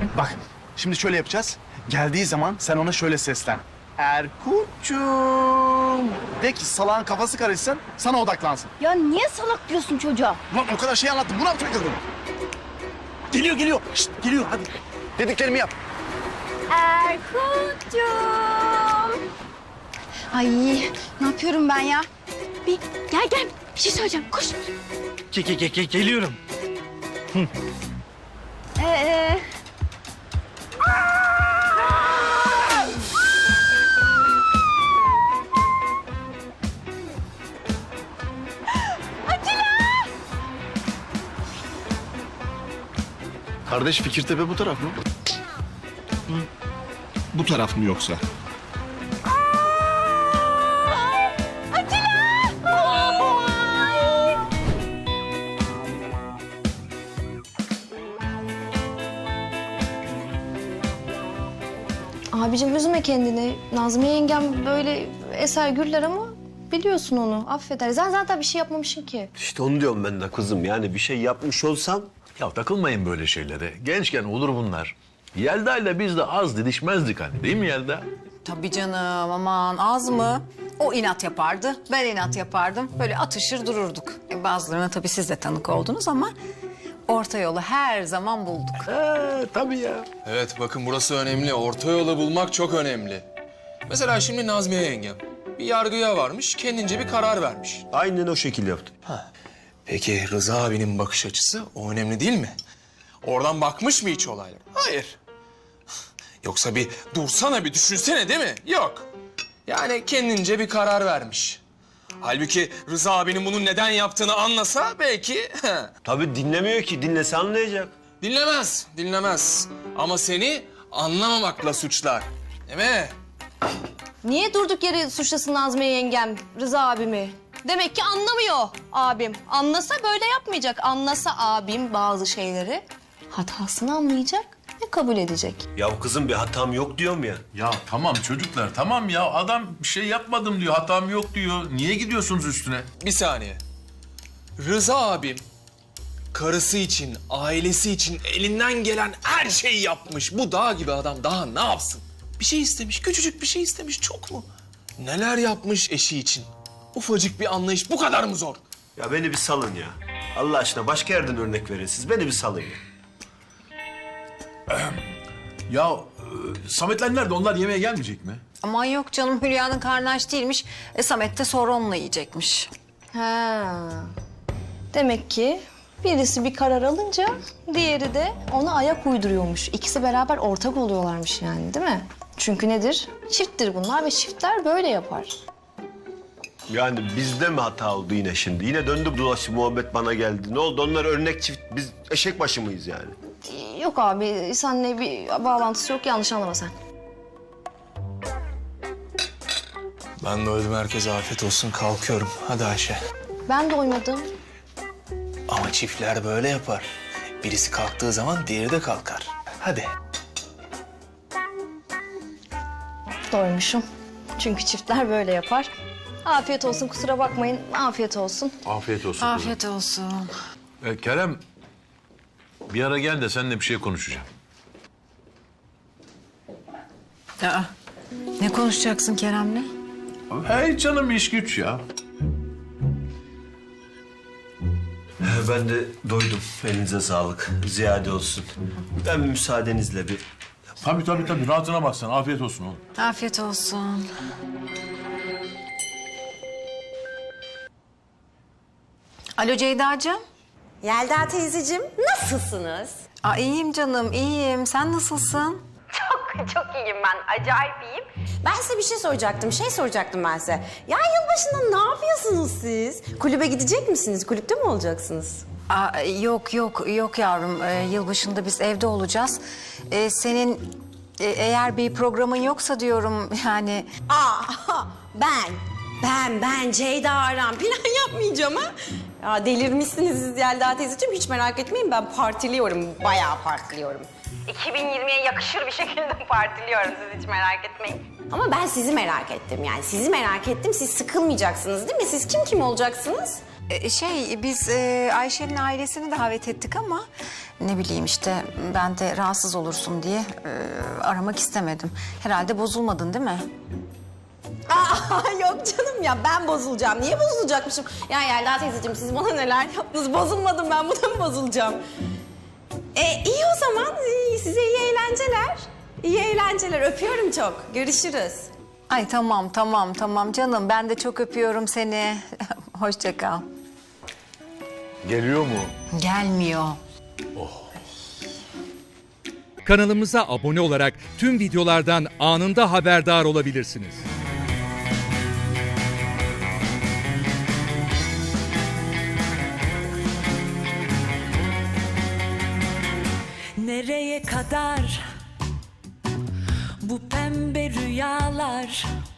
Bak, şimdi şöyle yapacağız. Geldiği zaman sen ona şöyle seslen. Erkut'cum. De ki salağın kafası karışsın, sana odaklansın. Ya niye salak diyorsun çocuğa? Ulan o kadar şey anlattım, buna mı takıldın? Geliyor. Şişt, geliyor hadi. Dediklerimi yap. Erkut'cum. Ay ne yapıyorum ben ya? Bir gel bir şey söyleyeceğim koş. Geliyorum. Ee, Kardeş Fikirtepe bu taraf mı? Bu taraf mı yoksa? Abicim üzme kendini. Nazmiye yengem böyle eser güller ama biliyorsun onu. Affeder. Sen zaten bir şey yapmamışsın ki. İşte onu diyorum ben de kızım. Yani bir şey yapmış olsam... Ya takılmayın böyle şeylere. Gençken olur bunlar. Yelda ile biz de az didişmezdik hani, değil mi Yelda? Tabii canım, aman az mı? O inat yapardı, ben inat yapardım. Böyle atışır dururduk. Bazılarına tabii siz de tanık oldunuz ama... orta yolu her zaman bulduk. Tabii ya. Evet bakın burası önemli. Orta yolu bulmak çok önemli. Mesela şimdi Nazmiye yengem bir yargıya varmış, kendince bir karar vermiş. Aynen o şekil yaptım. Peki Rıza abinin bakış açısı o önemli değil mi? Oradan bakmış mı hiç olaylara? Hayır. Yoksa bir dursana bir düşünsene değil mi? Yok. Yani kendince bir karar vermiş. Halbuki Rıza abinin bunu neden yaptığını anlasa belki... Tabii dinlemiyor ki. Dinlese anlayacak. Dinlemez. Ama seni anlamamakla suçlar. Değil mi? Niye durduk yere suçlasın Nazmiye yengem Rıza abimi? Demek ki anlamıyor abim. Anlasa böyle yapmayacak. Anlasa abim bazı şeyleri hatasını anlayacak ve kabul edecek. Ya kızım bir hatam yok diyorum ya. Ya tamam çocuklar, tamam ya. Adam bir şey yapmadım diyor, hatam yok diyor. Niye gidiyorsunuz üstüne? Bir saniye. Rıza abim karısı için, ailesi için elinden gelen her şeyi yapmış. Bu dağ gibi adam daha ne yapsın? Bir şey istemiş, küçücük bir şey istemiş. Çok mu? Neler yapmış eşi için? Ufacık bir anlayış bu kadar mı zor? Ya beni bir salın ya. Allah aşkına başka yerden örnek verin siz. Beni bir salın ya. Ya Sametler nerede? Onlar yemeğe gelmeyecek mi? Aman yok canım, Hülya'nın karnı aç değilmiş. Samet de sonra onunla yiyecekmiş. Ha. Demek ki birisi bir karar alınca diğeri de ona ayak uyduruyormuş. İkisi beraber ortak oluyorlarmış yani değil mi? Çünkü nedir? Çifttir bunlar ve çiftler böyle yapar. Yani bizde mi hata oldu yine şimdi? Yine döndü dolaştı muhabbet bana geldi. Ne oldu? Onlar örnek çift. Biz eşek başı mıyız yani? Yok abi, seninle bir bağlantısı yok. Yanlış anlama sen. Ben doydum, herkese afiyet olsun, kalkıyorum. Hadi Ayşe. Ben doymadım. Ama çiftler böyle yapar. Birisi kalktığı zaman diğeri de kalkar. Hadi. Doymuşum. Çünkü çiftler böyle yapar. Afiyet olsun, kusura bakmayın. Afiyet olsun. Afiyet olsun. kızım. Afiyet olsun. Kerem, bir ara gel de seninle bir şey konuşacağım. Aa, ne konuşacaksın Kerem'le? Hey canım, iş güç ya. Ben de doydum. Elinize sağlık. Ziyade olsun. Ben müsaadenizle bir... Tabii. Rahatına bak sen. Afiyet olsun oğlum. Afiyet olsun. Alo Ceyda'cığım. Yelda teyzeciğim, nasılsınız? İyiyim canım, iyiyim. Sen nasılsın? Çok iyiyim ben, acayip iyiyim. Ben size bir şey soracaktım ben size. Ya yılbaşında ne yapıyorsunuz siz? Kulübe gidecek misiniz? Kulüpte mi olacaksınız? Yok yavrum. Yılbaşında biz evde olacağız. Senin eğer bir programın yoksa diyorum yani... Ben Ceyda Aran plan yapmayacağım ha. Ya delirmişsiniz siz Yelda teyzeciğim, hiç merak etmeyin, ben partiliyorum, bayağı partiliyorum. 2020'ye yakışır bir şekilde partiliyorum, siz hiç merak etmeyin. Ama ben sizi merak ettim yani, sizi merak ettim, siz sıkılmayacaksınız değil mi? Siz kim olacaksınız? Biz Ayşe'nin ailesini davet ettik ama ne bileyim işte ben de rahatsız olursun diye aramak istemedim. Herhalde bozulmadın değil mi? Aa, yok canım ya, ben bozulacağım. Niye bozulacakmışım? Ya Yelda teyzeciğim, siz bana neler yaptınız? Bozulmadım ben, buna mı bozulacağım? İyi o zaman. Size iyi eğlenceler. İyi eğlenceler. Öpüyorum çok. Görüşürüz. Ay tamam canım. Ben de çok öpüyorum seni. Hoşça kal. Geliyor mu? Gelmiyor. Kanalımıza abone olarak tüm videolardan anında haberdar olabilirsiniz. Nereye kadar bu pembe rüyalar?